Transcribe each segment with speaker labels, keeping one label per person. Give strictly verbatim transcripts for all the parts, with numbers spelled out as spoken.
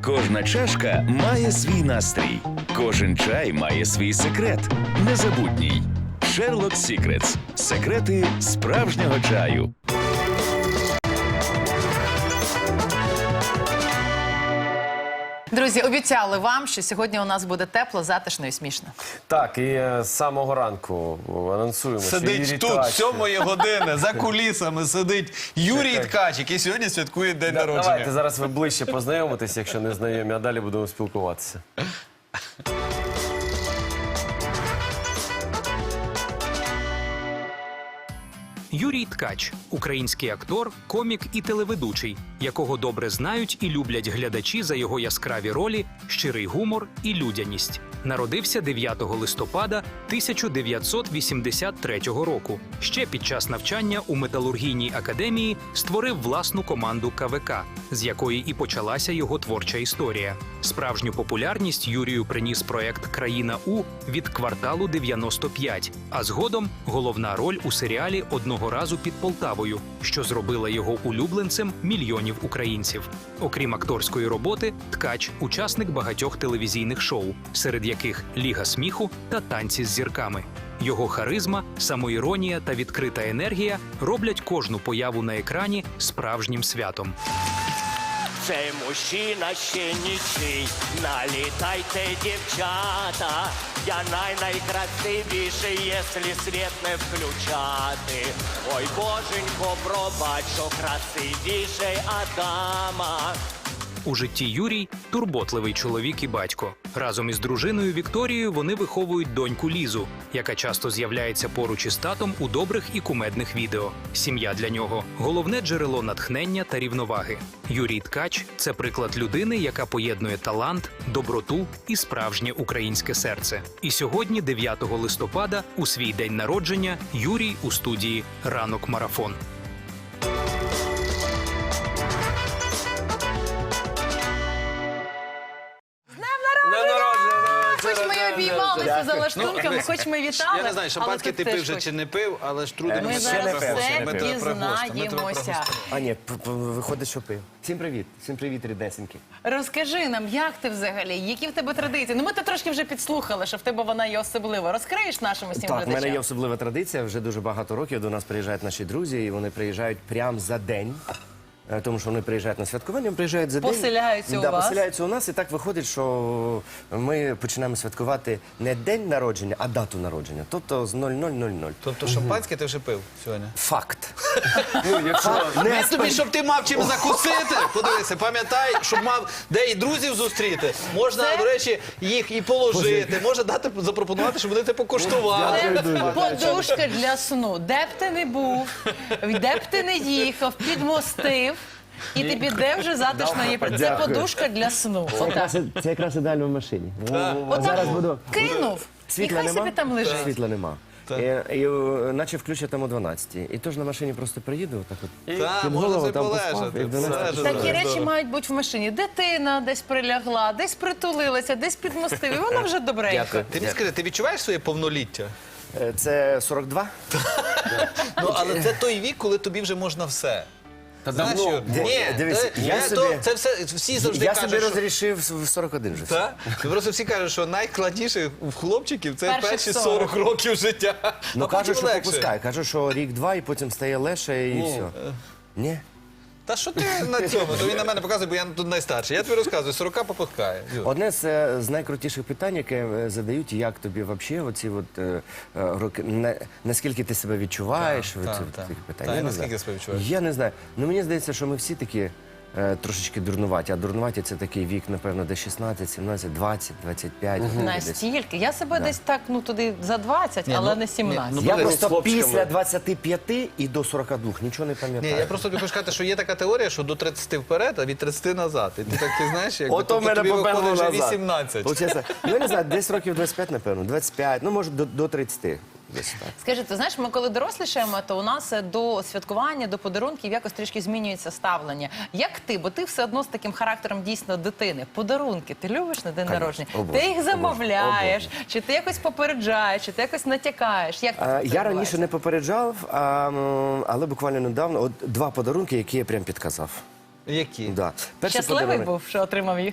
Speaker 1: Кожна чашка має свій настрій. Кожен чай має свій секрет. Незабутній. Sherlock Secrets. Секрети справжнього чаю.
Speaker 2: Друзі, обіцяли вам, що сьогодні у нас буде тепло, затишно і смішно.
Speaker 3: Так, і е, з самого ранку анонсуємо, що
Speaker 4: Сидить
Speaker 3: Юрій
Speaker 4: тут,
Speaker 3: Ткач.
Speaker 4: з сьомої години, за кулісами сидить Юрій
Speaker 3: Чекай.
Speaker 4: Ткач, який сьогодні святкує день
Speaker 3: Да,
Speaker 4: народження.
Speaker 3: давайте зараз ви ближче познайомитесь, якщо не знайомі, а далі будемо спілкуватися.
Speaker 5: Юрій Ткач – український актор, комік і телеведучий, якого добре знають і люблять глядачі за його яскраві ролі, щирий гумор і людяність. Народився дев'ятого листопада тисяча дев'ятсот вісімдесят третього року. Ще під час навчання у металургійній академії створив власну команду ка ве ка, з якої і почалася його творча історія. Справжню популярність Юрію приніс проект «Країна У» від «Кварталу дев'яносто п'ять», а згодом головна роль у серіалі «Одного разу під Полтавою», що зробила його улюбленцем мільйонів українців. Окрім акторської роботи, Ткач – учасник багатьох телевізійних шоу, серед яких «Ліга сміху» та «Танці з зірками». Його харизма, самоіронія та відкрита енергія роблять кожну появу на екрані справжнім святом.
Speaker 6: Цей мужчина ще нічий, налітайте, дівчата, я най-найкрасивіший, якщо світ не включати. Ой, боженько, пробач, що красивіший Адама.
Speaker 5: У житті Юрій – турботливий чоловік і батько. Разом із дружиною Вікторією вони виховують доньку Лізу, яка часто з'являється поруч із татом у добрих і кумедних відео. Сім'я для нього – головне джерело натхнення та рівноваги. Юрій Ткач – це приклад людини, яка поєднує талант, доброту і справжнє українське серце. І сьогодні, дев'ятого листопада, у свій день народження, Юрій у студії «Ранок Марафон».
Speaker 2: Хоч ми обіймалися за лаштунками, хоч ми вітали.
Speaker 4: Я не знаю, шампанське ти пив вже чи не пив, але ж трудимо.
Speaker 2: Ми зараз все дізнаємося.
Speaker 3: А ні, п- п- виходить, що пив. Всім привіт, всім привіт, ріднесенькі.
Speaker 2: Розкажи нам, як ти взагалі, які в тебе традиції? Ну, ми то трошки вже підслухали, що в тебе вона є особлива. Розкриєш нашим усім
Speaker 3: Так, в мене
Speaker 2: глядачам?
Speaker 3: є особлива традиція, вже дуже багато років до нас приїжджають наші друзі, і вони приїжджають прямо за день. Е, Тому що вони приїжджають на святкування, вони приїжджають за день.
Speaker 2: Поселяються у
Speaker 3: да,
Speaker 2: вас?
Speaker 3: поселяються у нас, і так виходить, що ми починаємо святкувати не день народження, а дату народження. Тобто з нуль нуль нуль нуль.
Speaker 4: Тобто шампанське ти вже пив сьогодні?
Speaker 3: Факт. Ну, якщо не
Speaker 4: Не тобі, щоб ти мав чим закусити. Подивися, пам'ятай, щоб мав де і друзів зустріти. Можна,
Speaker 2: Це-
Speaker 4: до речі, їх і положити. Можна дати, запропонувати, щоб вони те покуштували.
Speaker 2: Це подушка для сну. Де б ти не був, де б ти не їхав, підмостив, і ти піде вже затишно її. Це
Speaker 3: Дякую.
Speaker 2: подушка для сну. Отак.
Speaker 3: Це якраз ідеально в машині.
Speaker 2: Отак
Speaker 3: Зараз буду.
Speaker 2: кинув, і
Speaker 3: Світла
Speaker 2: хай
Speaker 3: нема?
Speaker 2: собі там лежить.
Speaker 3: Світла нема. І, і, е, наче включать там о дванадцятій. І тож на машині просто приїду, так от.
Speaker 4: Так,
Speaker 3: під
Speaker 4: можна
Speaker 3: голову
Speaker 4: собі
Speaker 3: там поспав,
Speaker 4: полежати.
Speaker 3: і в дванадцятій
Speaker 4: Все ж
Speaker 2: Такі
Speaker 4: здорово.
Speaker 2: речі мають бути в машині. Дитина десь прилягла, десь притулилася, десь підмостив, і вона вже добренька.
Speaker 3: Дякую.
Speaker 4: Ти мені скажи, ти відчуваєш своє повноліття?
Speaker 3: Е, Це сорок два?
Speaker 4: Ну, але це той вік, коли тобі вже можна все. Знаєш,
Speaker 3: давно.
Speaker 4: що-
Speaker 3: Ди-
Speaker 4: Ні,
Speaker 3: дивись,
Speaker 4: це-
Speaker 3: я
Speaker 4: ні,
Speaker 3: собі-
Speaker 4: то- це все, всі завжди
Speaker 3: Я
Speaker 4: кажуть,
Speaker 3: собі
Speaker 4: що...
Speaker 3: розрішив в сорок один вже.
Speaker 4: Так? Ну, просто всі кажуть, що найскладніше в хлопчиків це
Speaker 2: Перших
Speaker 4: перші
Speaker 2: сорок.
Speaker 4: сорок років життя.
Speaker 3: Ну
Speaker 4: А потім
Speaker 3: кажуть, що
Speaker 4: легше.
Speaker 3: попускай. Кажуть, що рік-два і потім стає легше і все. Ні?
Speaker 4: Та що ти на цьому? То він на мене показує, бо я тут найстарший. Я тобі розказую, сорока попускає. Юр.
Speaker 3: Одне з, е, з найкрутіших питань, яке е, задають, як тобі взагалі оці от, е, е, роки, на- наскільки ти себе відчуваєш?
Speaker 4: Так,
Speaker 3: оці
Speaker 4: так,
Speaker 3: от
Speaker 4: так.
Speaker 3: такі питання.
Speaker 4: Так,
Speaker 3: Я
Speaker 4: і
Speaker 3: не
Speaker 4: наскільки
Speaker 3: знаю.
Speaker 4: себе відчуваєш?
Speaker 3: Я не знаю. Ну мені здається, що ми всі такі е, трошечки дурнуваті. А дурнуваті це такий вік, напевно, де шістнадцять, сімнадцять, двадцять, двадцять п'ять. десь.
Speaker 2: Настільки. Я себе десь так, ну туди за двадцять,
Speaker 4: Ні,
Speaker 2: але
Speaker 4: ну,
Speaker 2: не сімнадцять.
Speaker 4: ні, ну,
Speaker 3: Я
Speaker 4: Подивись,
Speaker 3: просто
Speaker 4: хлопчиками.
Speaker 3: після двадцяти п'яти і до сорока двох нічого не
Speaker 4: Ні,
Speaker 3: пам'ятаю.
Speaker 4: я просто тобі хочу сказати, що є така теорія, що до тридцяти вперед, а від тридцяти назад. І ти так ти знаєш, як
Speaker 3: Ото в мене
Speaker 4: тобі
Speaker 3: поперло
Speaker 4: виходить вже
Speaker 3: назад.
Speaker 4: вісімнадцять.
Speaker 3: Получається, ну я не знаю, десь років двадцять п'ять, напевно, двадцять п'ять, ну може до, до тридцяти. Десь так.
Speaker 2: Скажи, ти знаєш, ми коли дорослішаємо, то у нас е, до святкування, до подарунків якось трішки змінюється ставлення. Як ти? Бо ти все одно з таким характером дійсно дитини. Подарунки ти любиш на день
Speaker 3: Конечно,
Speaker 2: народження?
Speaker 3: обожнюю,
Speaker 2: Ти їх замовляєш,
Speaker 3: обожнюю.
Speaker 2: чи ти якось попереджаєш, чи ти якось натякаєш? Як
Speaker 3: А,
Speaker 2: це
Speaker 3: я
Speaker 2: відбувається?
Speaker 3: раніше не попереджав, а, м, але буквально недавно от два подарунки, які я прям підказав.
Speaker 4: Які?
Speaker 3: Да. Перший
Speaker 2: Щасливий
Speaker 3: подарунок-
Speaker 2: був, що отримав їх?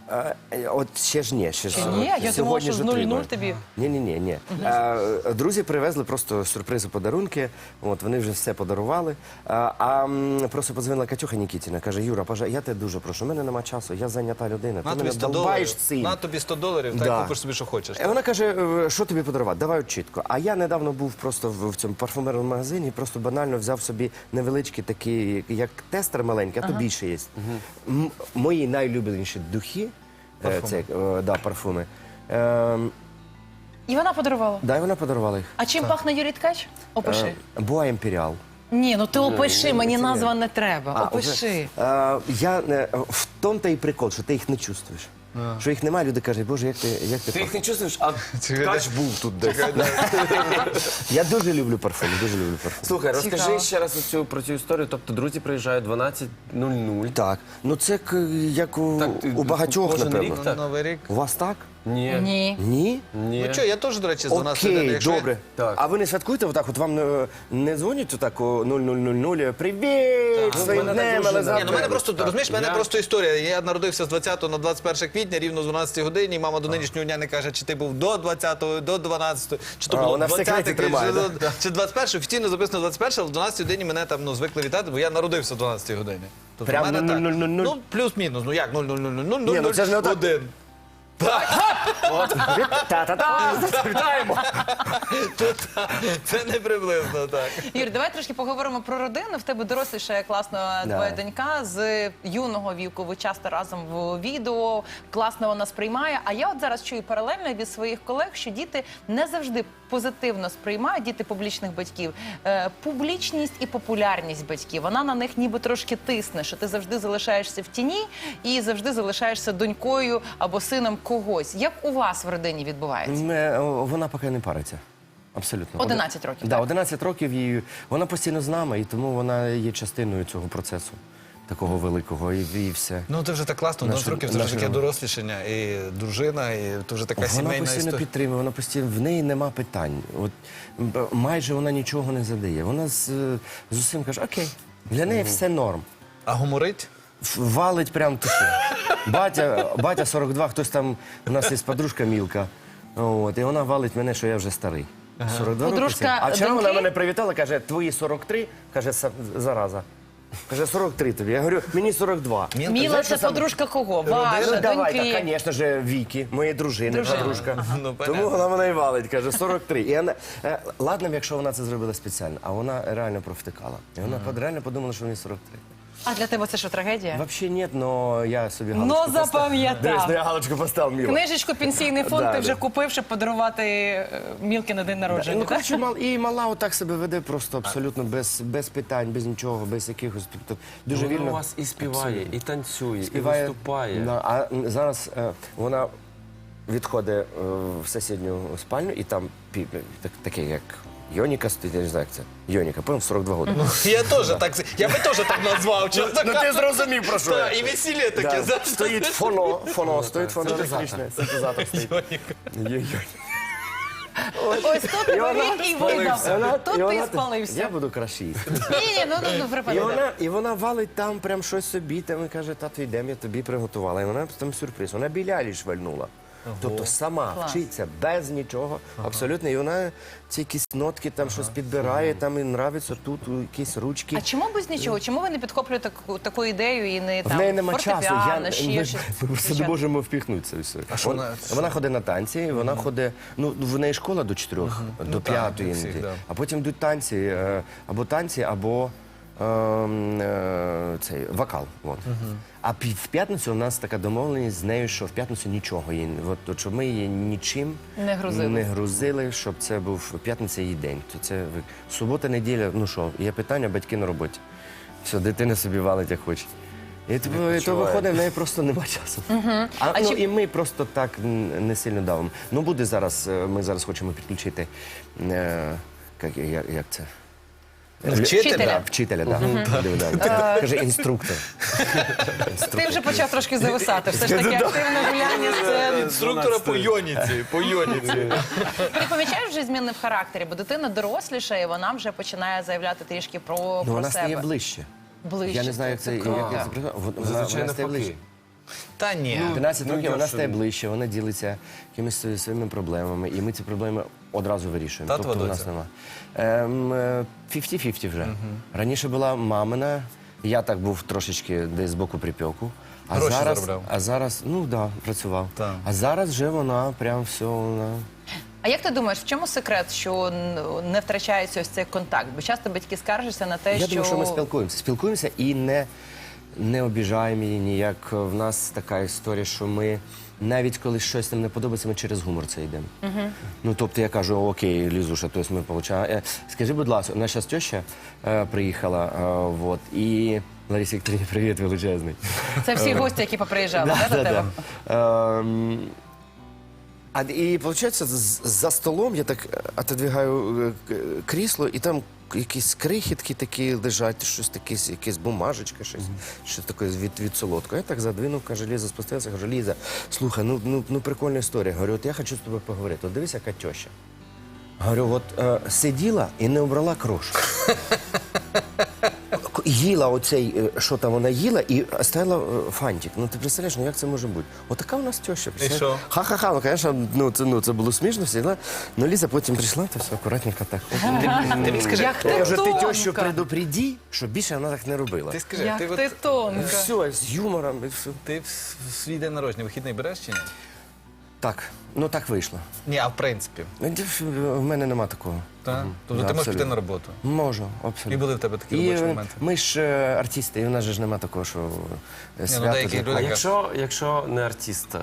Speaker 3: А, е, от ще ж ні, ще ж.
Speaker 2: Чи ні? Я думала,
Speaker 3: Сьогодні
Speaker 2: що
Speaker 3: ж
Speaker 2: з нуль нуль
Speaker 3: отримаю.
Speaker 2: тобі.
Speaker 3: Ні, ні, ні, ні. А, друзі привезли просто сюрпризи, подарунки. От вони вже все подарували. А, а м, просто подзвонила Катюха Нікітіна, каже: Юра, пожа, я тебе дуже прошу. У мене нема часу, я зайнята людина.
Speaker 4: На
Speaker 3: Ти
Speaker 4: тобі
Speaker 3: мене
Speaker 4: сто
Speaker 3: долбаєш
Speaker 4: доларів.
Speaker 3: цим.
Speaker 4: На тобі сто доларів,
Speaker 3: Да.
Speaker 4: так купиш собі, що хочеш.
Speaker 3: Е, Вона каже, «Е, що тобі подарувати? Давай от чітко. А я недавно був просто в, в цьому парфумерному магазині, просто банально взяв собі невеличкі такі, як тестер маленький, а то більше є. М- мої найлюбленіші духи, е, це, е, да, парфуми. Е,
Speaker 2: І вона подарувала.
Speaker 3: да, і вона подарувала їх.
Speaker 2: А чим пахне Юрій Ткач? Опиши.
Speaker 3: Боа Імперіал.
Speaker 2: Ні, ну ти опиши, мені
Speaker 3: це
Speaker 2: назва
Speaker 3: ні.
Speaker 2: не треба. Опиши.
Speaker 3: Е, я, е, в тому та і прикол, що ти їх не чувствуєш. Що їх немає, люди кажуть, боже, як ти, як ти
Speaker 7: Ти їх
Speaker 3: пахнеш.
Speaker 7: не чувствуєш, а ткач був тут десь.
Speaker 3: Я дуже люблю парфуми, дуже люблю парфуми.
Speaker 7: Слухай, розкажи
Speaker 2: Цікаво.
Speaker 7: ще раз оцю, про цю історію. Тобто друзі приїжджають дванадцять нуль нуль.
Speaker 3: Так, ну це к- як у,
Speaker 7: Так, ти-
Speaker 3: у багатьох,
Speaker 7: кожен
Speaker 3: напевно.
Speaker 7: рік так?
Speaker 4: Новий рік.
Speaker 3: У вас так?
Speaker 7: Ні.
Speaker 2: Ні.
Speaker 3: Ні?
Speaker 7: Ні.
Speaker 4: Ну що, я теж, до речі, з дванадцяти
Speaker 3: Окей,
Speaker 4: годин. Якщо я-
Speaker 3: добре.
Speaker 7: Так.
Speaker 3: А ви не святкуєте отак? От вам не, не дзвонять отак о нуль нуль нуль нуль? Привіт! Своїм
Speaker 7: мене так
Speaker 3: днем,
Speaker 7: дуже
Speaker 3: але
Speaker 7: не-
Speaker 4: Ні, ну в мене
Speaker 3: завтра.
Speaker 4: просто, розумієш, в мене
Speaker 7: Я-
Speaker 4: просто історія. Я народився з двадцятого на двадцять перше квітня, рівно з дванадцятої годині, і мама до нинішнього дня не каже, чи ти був до двадцятого, до дванадцятого, чи то
Speaker 3: А,
Speaker 4: було
Speaker 3: вона в секреті
Speaker 4: двадцяте,
Speaker 3: тримає,
Speaker 4: чи,
Speaker 3: да?
Speaker 4: чи двадцять перше, офіційно записано двадцять перше, але в дванадцятій годині мене там ну, звикли вітати, бо я народився в дванадцятій годині. Тобто
Speaker 3: Прям
Speaker 4: в мене
Speaker 3: нуль
Speaker 4: так.
Speaker 3: нуль нуль нуль?
Speaker 4: Ну, плюс-мінус, ну як нуль нуль нуль нуль нуль
Speaker 3: Ні, ну це ж не отак.
Speaker 4: один.
Speaker 3: Та-та-та! Вітаємо!
Speaker 4: Це не приблизно так.
Speaker 2: Юр, давай трошки поговоримо про родину. В тебе дорослішає класно твоя донька з юного віку. Ви часто разом в відео, класно вона сприймає. А я от зараз чую паралельно від своїх колег, що діти не завжди позитивно сприймають, діти публічних батьків, е, публічність і популярність батьків. Вона на них ніби трошки тисне, що ти завжди залишаєшся в тіні і завжди залишаєшся донькою або сином когось. Як у вас в родині відбувається?
Speaker 3: Не, о, Вона поки не париться. Абсолютно.
Speaker 2: одинадцять років,
Speaker 3: Да,
Speaker 2: так?
Speaker 3: одинадцять років їй. Вона постійно з нами, і тому вона є частиною цього процесу. Такого великого, і, і все.
Speaker 4: Ну, це вже так класно,
Speaker 3: Наше-
Speaker 4: дванадцять років, це
Speaker 3: наше
Speaker 4: вже таке
Speaker 3: робимо.
Speaker 4: дорослішання, і дружина, і це вже така
Speaker 3: Вона
Speaker 4: сімейна
Speaker 3: постійно
Speaker 4: історія.
Speaker 3: підтримує, вона постійно, в неї нема питань. От, м, майже вона нічого не задає. Вона з, е, з усім каже, окей, для неї все норм.
Speaker 4: А гуморить?
Speaker 3: Ф- Валить прям ти що. Батя, батя сорок два, хтось там, у нас є подружка Мілка, от, і вона валить мене, що я вже старий. сорок два роки
Speaker 2: Подружка
Speaker 3: це. А вчора вона
Speaker 2: доньки?
Speaker 3: мене привітала, каже, твої сорок три, каже, «Са- зараза. Каже, сорок три тобі. Я говорю, мені сорок два.
Speaker 2: Міла,
Speaker 3: Знаєш,
Speaker 2: це
Speaker 3: що саме?
Speaker 2: подружка кого? Ваша,
Speaker 3: Ну, давай,
Speaker 2: доньки?
Speaker 3: так, звісно ж, Вікі, моєї дружини,
Speaker 2: Дружина.
Speaker 3: подружка.
Speaker 4: Ну, понятно.
Speaker 3: Тому вона мене і валить, каже, сорок три. І вона, е, ладно, б, якщо вона це зробила спеціально, а вона реально провтикала. І вона под- реально подумала, що мені сорок три.
Speaker 2: А для тебе це що, трагедія?
Speaker 3: Взагалі ні, але я собі
Speaker 2: Ну,
Speaker 3: галочку поставив.
Speaker 2: запам'ятав.
Speaker 3: Дивись, ну я галочку поставив, Міла.
Speaker 2: Книжечку «Пенсійний фонд»
Speaker 3: Да,
Speaker 2: ти вже
Speaker 3: да.
Speaker 2: купив, щоб подарувати е, Мілки на день народження,
Speaker 3: Ну,
Speaker 2: так?
Speaker 3: коротше, мал, і мала отак себе веде просто абсолютно без, без питань, без нічого, без якихось. Тобто, дуже
Speaker 7: Вона
Speaker 3: вільно.
Speaker 7: у вас і співає, і танцює,
Speaker 3: співає,
Speaker 7: і виступає.
Speaker 3: Да, а м, зараз е, вона відходить е, в сусідню спальню, і там пі- так, таке, як Йоніка стоїть, я не знаю, як це. Йоніка, потім сорок два роки.
Speaker 4: Я теж так, я би теж так назвав, чесно
Speaker 3: Ну ти
Speaker 4: кажучи.
Speaker 3: зрозумів, про що я.
Speaker 4: Так, і весілля таке,
Speaker 3: Да.
Speaker 4: знаєш.
Speaker 3: Стоїть фоно, фоно, стоїть фоно електричне, синтезатор стоїть. Йо-йо.
Speaker 2: Ось тут він і видав.
Speaker 3: Вона-
Speaker 2: Тут
Speaker 3: і
Speaker 2: ти
Speaker 3: вона- Я
Speaker 2: спалився.
Speaker 3: буду краще їсти.
Speaker 2: Ні, ні, ну, ну, ну,
Speaker 3: І
Speaker 2: припини.
Speaker 3: вона, і вона валить там прям щось собі, там і каже, тату, йдемо, я тобі приготувала. І вона там сюрприз. Вона білялі швальнула. Тобто сама
Speaker 2: Клас.
Speaker 3: вчиться без нічого, абсолютно. І вона ці якісь нотки там щось підбирає, там і нравиться тут якісь ручки.
Speaker 2: А чому без нічого? Чому ви не підхоплюєте таку, таку ідею і не
Speaker 3: В
Speaker 2: там
Speaker 3: неї нема часу.
Speaker 2: фортепіано,
Speaker 3: Я,
Speaker 2: ще
Speaker 3: ми,
Speaker 2: щось?
Speaker 3: ми просто не можемо впіхнути це все.
Speaker 4: що
Speaker 3: Вон-
Speaker 4: вона-
Speaker 3: вона ходить на танці, вона ходить, ну в неї школа до чотирьох, до
Speaker 4: Ну, так,
Speaker 3: п'ятої,
Speaker 4: як всіх,
Speaker 3: іноді.
Speaker 4: да.
Speaker 3: А потім йдуть танці, е, або танці, або ем, е, цей вокал. От. А пі- в п'ятницю у нас така домовленість з нею, що в п'ятницю нічого їй, от, от, щоб ми її нічим
Speaker 2: Не грузили.
Speaker 3: не грузили, щоб це був п'ятниця її день. То це ви- субота, неділя, ну що, є питання, батьки на роботі. Все, дитина собі валить, як хоче. І то, і то виходить, в неї просто нема часу. А,
Speaker 2: А
Speaker 3: ну,
Speaker 2: чи-
Speaker 3: І ми просто так м, не сильно давимо. Ну буде зараз, е, ми зараз хочемо підключити, е, як, як, як це?
Speaker 2: Вчителя.
Speaker 3: Да, вчителя, так. Да. Да. Каже, інструктор.
Speaker 2: Ти вже почав трошки зависати. Все ж таки активне гуляння сцени.
Speaker 4: Інструктора по йоніці, по йоніці.
Speaker 2: Ти помічаєш вже зміни в характері, бо дитина доросліша, і вона вже починає заявляти трішки про,
Speaker 3: Ну,
Speaker 2: про
Speaker 3: вона стає
Speaker 2: себе.
Speaker 3: ближче.
Speaker 2: Ближче.
Speaker 3: Я не знаю, як це, як
Speaker 2: круто.
Speaker 3: це, вона, вона
Speaker 7: Зазвичай
Speaker 3: стає
Speaker 7: навпаки.
Speaker 3: ближче.
Speaker 4: Та ні.
Speaker 3: тринадцять
Speaker 7: ну,
Speaker 3: років
Speaker 7: я
Speaker 3: вона
Speaker 7: що-
Speaker 3: стає ближче, вона ділиться якимись свої- своїми проблемами, і ми ці проблеми одразу вирішуємо.
Speaker 4: Татова
Speaker 3: тобто у нас
Speaker 4: доця?
Speaker 3: нема. Ем, е, п'ятдесят на п'ятдесят вже. Раніше була мамина, я так був трошечки десь збоку припеку. А
Speaker 4: Гроші
Speaker 3: зараз,
Speaker 4: заробляв.
Speaker 3: а зараз, ну так, да, працював.
Speaker 4: Так.
Speaker 3: А зараз вже вона прям все, вона...
Speaker 2: А як ти думаєш, в чому секрет, що н- не втрачається ось цей контакт? Бо часто батьки скаржаться на те,
Speaker 3: Я
Speaker 2: що...
Speaker 3: думаю, що ми спілкуємося. Спілкуємося і не, не обіжаємо її ніяк. В нас така історія, що ми навіть коли щось нам не подобається, ми через гумор це йдемо. Ну, тобто я кажу, окей, Лізуша, тобто ми получаємо. Е, Скажи, будь ласка, у нас зараз теща е, приїхала, е, вот, і Ларисі Вікторівні, привіт величезний.
Speaker 2: Це всі гості, які поприїжджали, да, до тебе?
Speaker 3: Ем, А, і виходить, за столом я так отодвигаю е, к- крісло, і там якісь крихітки такі лежать, щось таке, якась бумажечка, щось, щось таке від, від солодкого. Я так задвинув, каже, Ліза спустилася, кажу, Ліза, слухай, ну, ну, ну прикольна історія. Говорю, от я хочу з тобою поговорити. От дивись, яка теща. Говорю, от е, сиділа і не обрала крошку. К- Їла оцей, е, що там вона їла, і оставила е, фантик. Ну ти представляєш, ну як це може бути? Отака у нас теща. представляєш?
Speaker 4: що?
Speaker 3: Ха-ха-ха, ну, звісно, ну це, ну, це було смішно, всі, да? Ну Ліза потім прийшла, то все акуратненько так.
Speaker 4: Ти мені скажи,
Speaker 2: Як
Speaker 3: Я
Speaker 2: ти
Speaker 3: кажу, ти тещу
Speaker 2: тонка!
Speaker 3: предупреди, щоб більше вона так не робила.
Speaker 4: ти скажи,
Speaker 2: Як
Speaker 4: ти,
Speaker 2: ти
Speaker 4: от,
Speaker 2: тонка!
Speaker 3: Все, з юмором і все.
Speaker 4: ти в с- в свій день народження вихідний береш чи ні?
Speaker 3: Так, ну так вийшло.
Speaker 4: Ні, а в принципі.
Speaker 3: Ну, ді- В мене нема такого.
Speaker 4: Так? Тобто
Speaker 3: Да,
Speaker 4: ти можеш піти
Speaker 3: абсолютно.
Speaker 4: на роботу.
Speaker 3: Можу, абсолютно.
Speaker 4: І були в тебе такі
Speaker 3: І,
Speaker 4: робочі
Speaker 3: е,
Speaker 4: моменти.
Speaker 3: Ми ж е, артисти, і у нас же ж нема такого, що е, свято.
Speaker 4: деякі
Speaker 3: для
Speaker 4: люди-
Speaker 7: А
Speaker 3: когось.
Speaker 7: якщо, якщо не артист, е,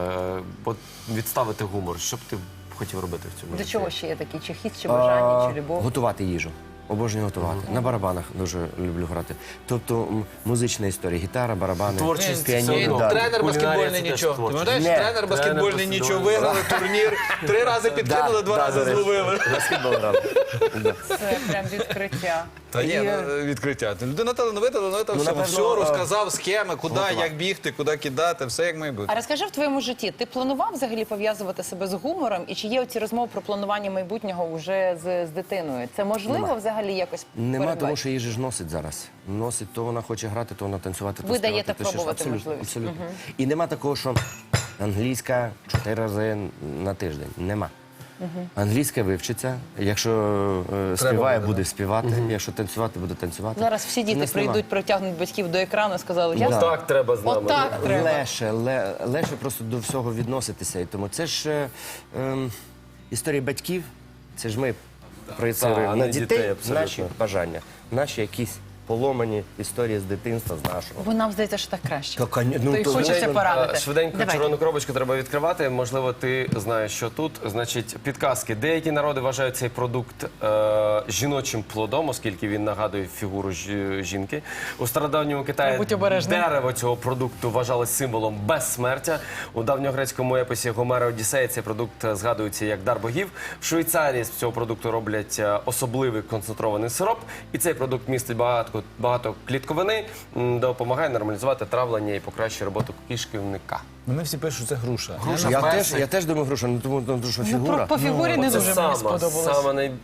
Speaker 7: от відставити гумор, що б ти хотів робити в цьому
Speaker 2: До
Speaker 7: житті?
Speaker 2: чого ще є такий? Чи хіст, чи бажання, чи любов?
Speaker 3: Готувати їжу. Обожнюю готувати. На барабанах дуже люблю грати. Тобто м, музична історія, гітара, барабани,
Speaker 7: Творчість
Speaker 3: піаніно.
Speaker 7: все одно.
Speaker 3: да.
Speaker 4: Тренер
Speaker 7: Кулінарія
Speaker 4: баскетбольний
Speaker 7: це теж
Speaker 4: нічого. Ти
Speaker 7: творчість.
Speaker 4: пам'ятаєш,
Speaker 3: Ні.
Speaker 4: тренер баскетбольний
Speaker 7: Тренер
Speaker 4: нічого,
Speaker 7: баскетбольний.
Speaker 4: виграли турнір, три рази підкинули, два
Speaker 3: Да,
Speaker 4: рази
Speaker 3: до речі.
Speaker 4: зловили.
Speaker 3: Баскетбол грали. Да.
Speaker 2: Це прям відкриття.
Speaker 4: Та ні,
Speaker 3: І,
Speaker 4: ну, відкриття. Людина талановита, талановита в
Speaker 3: Ну,
Speaker 4: всьому.
Speaker 3: напевно,
Speaker 4: Все
Speaker 3: е,
Speaker 4: розказав, схеми, куди, як бігти, куди кидати, все як має бути.
Speaker 2: А розкажи в твоєму житті, ти планував взагалі пов'язувати себе з гумором? І чи є оці розмови про планування майбутнього вже з, з дитиною? Це можливо
Speaker 3: Нема.
Speaker 2: взагалі якось
Speaker 3: Нема,
Speaker 2: передбачити?
Speaker 3: тому що її ж носить зараз. Носить, то вона хоче грати, то вона танцювати, то
Speaker 2: Ви
Speaker 3: співати,
Speaker 2: даєте
Speaker 3: то ще ж.
Speaker 2: пробувати
Speaker 3: Абсолютно,
Speaker 2: можливість.
Speaker 3: абсолютно. І нема такого, що англійська чотири рази на тиждень. Нема. Англійська вивчиться, якщо е, співає,
Speaker 4: буде,
Speaker 3: буде співати, якщо танцювати, буде танцювати.
Speaker 2: Зараз всі
Speaker 3: У
Speaker 2: діти
Speaker 3: нас нема.
Speaker 2: прийдуть, протягнуть батьків до екрану і сказали, я
Speaker 3: Да.
Speaker 7: Так треба з нами.
Speaker 2: отак треба.
Speaker 3: Леше, ле, леше просто до всього відноситися. І тому це ж е, ем, історія батьків, це ж ми проєцируємо
Speaker 7: Так, а
Speaker 3: на
Speaker 7: не
Speaker 3: дітей,
Speaker 7: дітей, абсолютно.
Speaker 3: наші бажання, наші якісь поломані історії з дитинства, з нашого.
Speaker 2: Бо нам здається, що так краще.
Speaker 3: Та, коня- ну,
Speaker 2: То й
Speaker 3: то,
Speaker 2: хочеться
Speaker 3: звичайно,
Speaker 2: порадити.
Speaker 7: Е, Швиденько
Speaker 2: Давай.
Speaker 7: червону коробочку треба відкривати. Можливо, ти знаєш, що тут. Значить, підказки. Деякі народи вважають цей продукт е, жіночим плодом, оскільки він нагадує фігуру жі- жінки. У стародавньому Китаї
Speaker 2: Будь обережним.
Speaker 7: дерево цього продукту вважалось символом безсмертя. У давньогрецькому епосі Гомера Одіссея цей продукт згадується як дар богів. В Швейцарії з цього продукту роблять е, особливий концентрований сироп. І цей продукт містить багато, багато клітковини, м, допомагає нормалізувати травлення і покращує роботу кишківника.
Speaker 4: Мене всі пишуть, що це груша.
Speaker 7: Груша.
Speaker 3: Я
Speaker 7: Персик.
Speaker 3: теж, я теж думаю, груша, ну тому тому що
Speaker 2: Ну,
Speaker 3: фігура.
Speaker 2: про, по фігурі не
Speaker 7: Це
Speaker 2: дуже
Speaker 7: сама,
Speaker 2: мені сподобалось.
Speaker 7: сама най...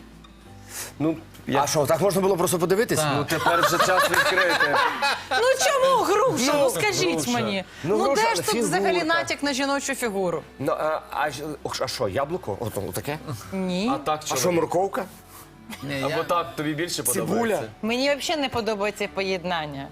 Speaker 7: Ну, я...
Speaker 3: А що, так можна було просто подивитись?
Speaker 7: ну, тепер вже час відкрити.
Speaker 2: Ну чому груша? Ну,
Speaker 3: Ну,
Speaker 2: скажіть
Speaker 3: груша.
Speaker 2: мені.
Speaker 3: Ну,
Speaker 2: Ну,
Speaker 3: груша,
Speaker 2: де ж тут
Speaker 3: фігурка.
Speaker 2: взагалі натяк на жіночу фігуру?
Speaker 3: Ну, а, а, ж- а що, яблуко? Ото, таке?
Speaker 2: Ні.
Speaker 7: А так
Speaker 3: А
Speaker 7: що?
Speaker 3: що, морковка?
Speaker 4: Ні,
Speaker 7: Або так тобі більше
Speaker 3: Цибуля?
Speaker 7: подобається?
Speaker 2: Мені взагалі не подобається поєднання.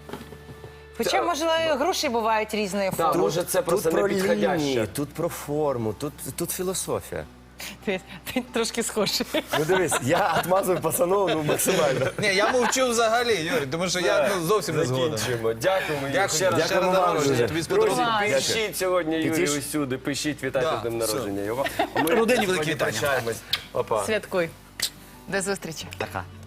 Speaker 2: Хоча, можливо, груші бувають різної
Speaker 7: Так,
Speaker 2: форми.
Speaker 7: може це просто
Speaker 3: Тут
Speaker 7: не
Speaker 3: про лінії,
Speaker 7: підходяще.
Speaker 3: тут про форму, тут, тут філософія.
Speaker 2: Ти, ти трошки схожий.
Speaker 3: Ну дивись, я отмазую пацанов ну, максимально.
Speaker 4: Ні, я мовчу взагалі, Юрій, тому що я ну, зовсім не згоден.
Speaker 7: Закінчуємо. Дякуємо. Юрій.
Speaker 4: Дякую,
Speaker 7: Ще раз.
Speaker 4: ще раз
Speaker 3: Дякуємо вам
Speaker 4: народження,
Speaker 3: дуже.
Speaker 4: тобі
Speaker 7: Друзі,
Speaker 4: сподобалося.
Speaker 2: Клас.
Speaker 7: пишіть сьогодні Юрію
Speaker 3: Пишіть.
Speaker 7: усюди, пишіть, вітайте
Speaker 4: Да,
Speaker 7: з днем
Speaker 4: все.
Speaker 7: народження його. А ми
Speaker 4: Родині великі
Speaker 7: сьогодні
Speaker 4: вітання.
Speaker 7: прощаємось. Па-па.
Speaker 2: Святкуй. До зустрічі.
Speaker 3: Така.